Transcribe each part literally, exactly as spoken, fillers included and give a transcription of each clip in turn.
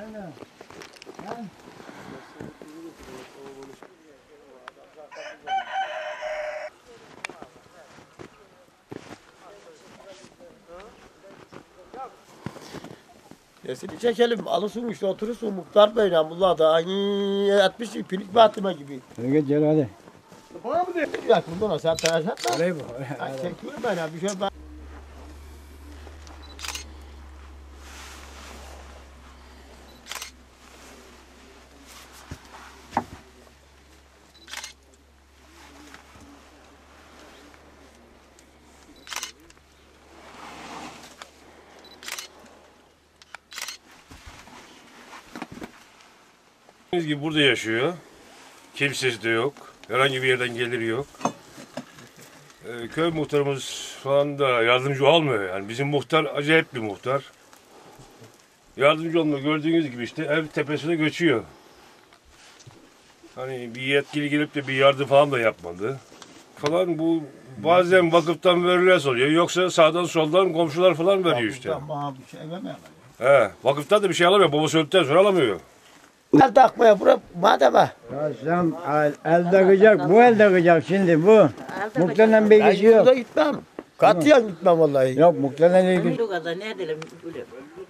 Aynen. Ha? Nesini çekelim, alırsın işte oturursun muhtar beyle bunlar da aynı etmiş pilik batıma gibi. Hadi gel hadi. Bana mı diyor? Ya bundan sen telaş etme. Orayı bu. Ben çekiyorum ben ya bir şey ben. Gibi burada yaşıyor. Kimsesi de yok. Herhangi bir yerden geliri yok. Ee, köy muhtarımız falan da yardımcı olmuyor. Yani bizim muhtar acayip bir muhtar. Yardımcı olmuyor. Gördüğünüz gibi işte ev tepesine göçüyor. Hani bir yetkili gelip de bir yardım falan da yapmadı. Falan bu bazen vakıftan verilen oluyor. Yoksa sağdan soldan komşular falan veriyor işte. Bana bir şey vermem. He, vakıftan da bir şey alamıyor. Babası öldükten sonra alamıyor. El takmaya bırak madem ha. Ya sen el, el takacak, bu el takacak şimdi bu. Muhtemelen bir Ben ilgisi yok. yurda gitmem. Katiyen gitmem vallahi. Yok muhtemelen ilgisi. Bu kadar ne edelim böyle.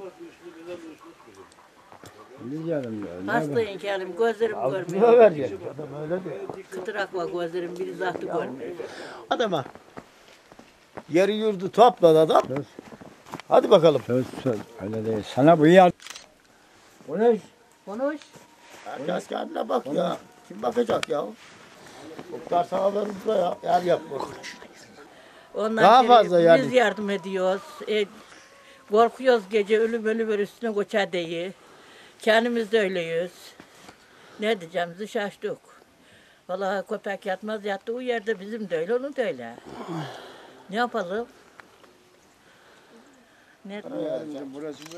Bilmiyorum ya. Hastayım kelim gözlerim Kime görmüyor. vereceksin? Adam öyle de. Kıtırak var gözlerim biri zahtı görmüyor. Adama. Yeri yurdu topladı adam. Söz. Hadi bakalım. Söz söz öyle değil. Sana bu yer. O ne? Konuş. Herkes kendine bak ya. Kim bakacak ya? Muhtar sana verir buraya. Yer yapma. Ondan Daha sonra fazla yani. Biz yardım ediyoruz. E, korkuyoruz gece ölüm ölüm ölüm üstüne koça deyi. Kendimiz de öyleyiz. Ne diyeceğimizi şaştık. Vallahi köpek yatmaz yattı o yerde bizim de öyle onun da öyle. Ne yapalım? Ne Burası bu.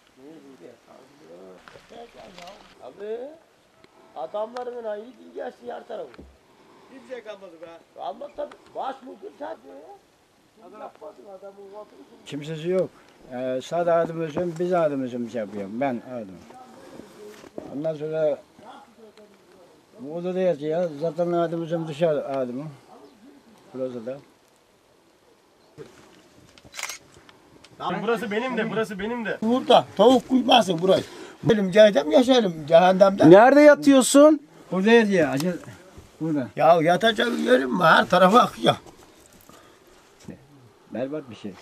Abi adamların ayı değil gelsin yer tarafı. Kimse kalmadı be. Kalmadı tabii. Baş mıdır sen diyor ya. Kim yapmadın adamın vakti. Kimsesi yok. Ee, sadece adım özüm, biz adım özüm şey yapıyorum. Ben adım. Ondan sonra bu odada yatıyor. Zaten adım özüm dışarı adımı. Burası da. Burası benim de, burası benim de. Burada tavuk kuymasın burayı. Benim cehennem yaşarım cehennemde. Nerede yatıyorsun? Burada yatıyor. Acil. Burada. Ya yatacak yerim mi? Her tarafa akıyor. Berbat bir şey.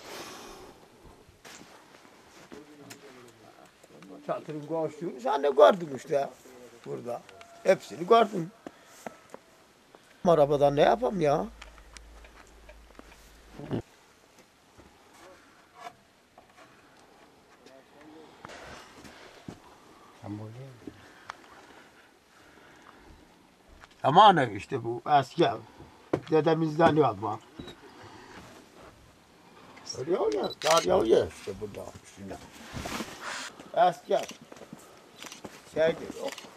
Çatırın koştuğunu sen de gördün işte. Burada. Hepsini gördün. Arabadan ne yapayım ya? Aman ev işte bu eski ev. Dedemizden yapma. Öyle ya, dar yağıyor işte burada üstünde. Eski ev. Şey yok.